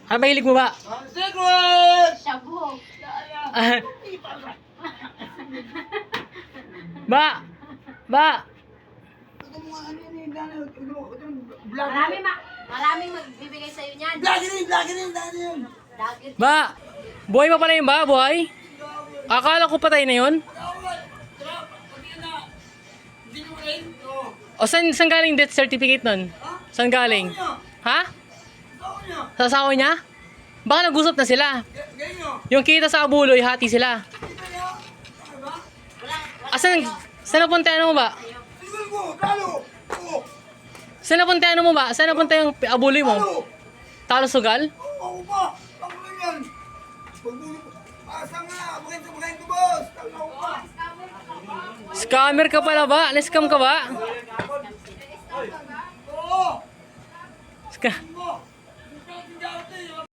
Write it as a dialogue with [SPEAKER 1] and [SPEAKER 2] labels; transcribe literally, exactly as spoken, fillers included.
[SPEAKER 1] Ano mahilig mo ba?
[SPEAKER 2] Secret!
[SPEAKER 3] Shabu.
[SPEAKER 1] Ah. Ba! Ba!
[SPEAKER 2] Ito mga ano yan eh, dahil ito yung vlog.
[SPEAKER 3] Marami ma maraming magbibigay sa'yo niyan.
[SPEAKER 2] Vlog yun, vlog yun, vlog yun.
[SPEAKER 3] Dagit.
[SPEAKER 1] Ba! Buhay pa pala yun ba? Buhay? Akala ko patay na yun.
[SPEAKER 2] Hindi mo rin? Oo.
[SPEAKER 1] O saan, saan galing death certificate nun? Saan galing? Ha?
[SPEAKER 2] Ako niya.
[SPEAKER 1] Sa asawa niya? Baka nag-usap na sila.
[SPEAKER 2] Ganyan nyo.
[SPEAKER 1] Yung kita sa abuloy, hati sila.
[SPEAKER 2] Kita niya. Ano ba?
[SPEAKER 1] Asan, saan napunta ano mo ba?
[SPEAKER 2] Tingnan ko, talo. Oo.
[SPEAKER 1] Saan napunta ano mo ba? Saan napunta yung abuloy mo?
[SPEAKER 2] Talo.
[SPEAKER 1] Talo sugal?
[SPEAKER 2] Oo ba? Ako lang yan. Pagbulo ko. Asa nga, bakit sa bakit ko, boss? Talo ka.
[SPEAKER 1] Scammer ka pala ba? Na-scam ka ba?
[SPEAKER 2] Oo.
[SPEAKER 1] Ska